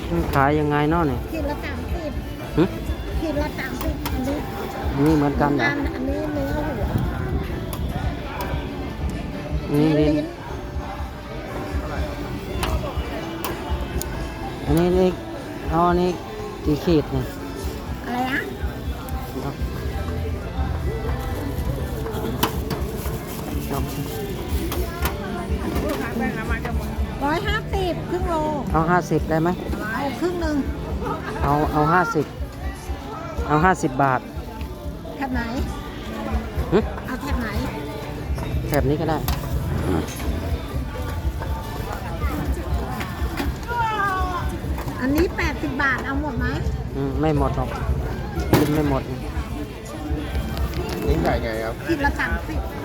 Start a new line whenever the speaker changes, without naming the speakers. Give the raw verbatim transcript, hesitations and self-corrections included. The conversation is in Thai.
มันขายยังไงเนาะเนี่ย
ขีดละสามสิบ
หึ
ขีดละสามสิบอันนี้
อันนี้เหมือนกันเหรอ
อันอันนี้เนื้อหัว
อันนี้ลิ้นอันนี้เล็กเอาอันนี้กี่ขีดเนี่ย
อะไรนะร้อยห้าสิบครึ่งโล
เอาห้าสิบได้ไหม
เอาครึ่งหนึ่ง
เอาเอาห้าสิบเอาห้าสิบบาท
แถบไหน
หึ
เอาแถบไหน
แถบนี้ก็ได้
อันนี้แปดสิบบาทเอาหมดไหม
อืมไม่หมดหรอกกินไม่หมด
ลิ้นไก่ไงครับ
ขีดละสามสิบ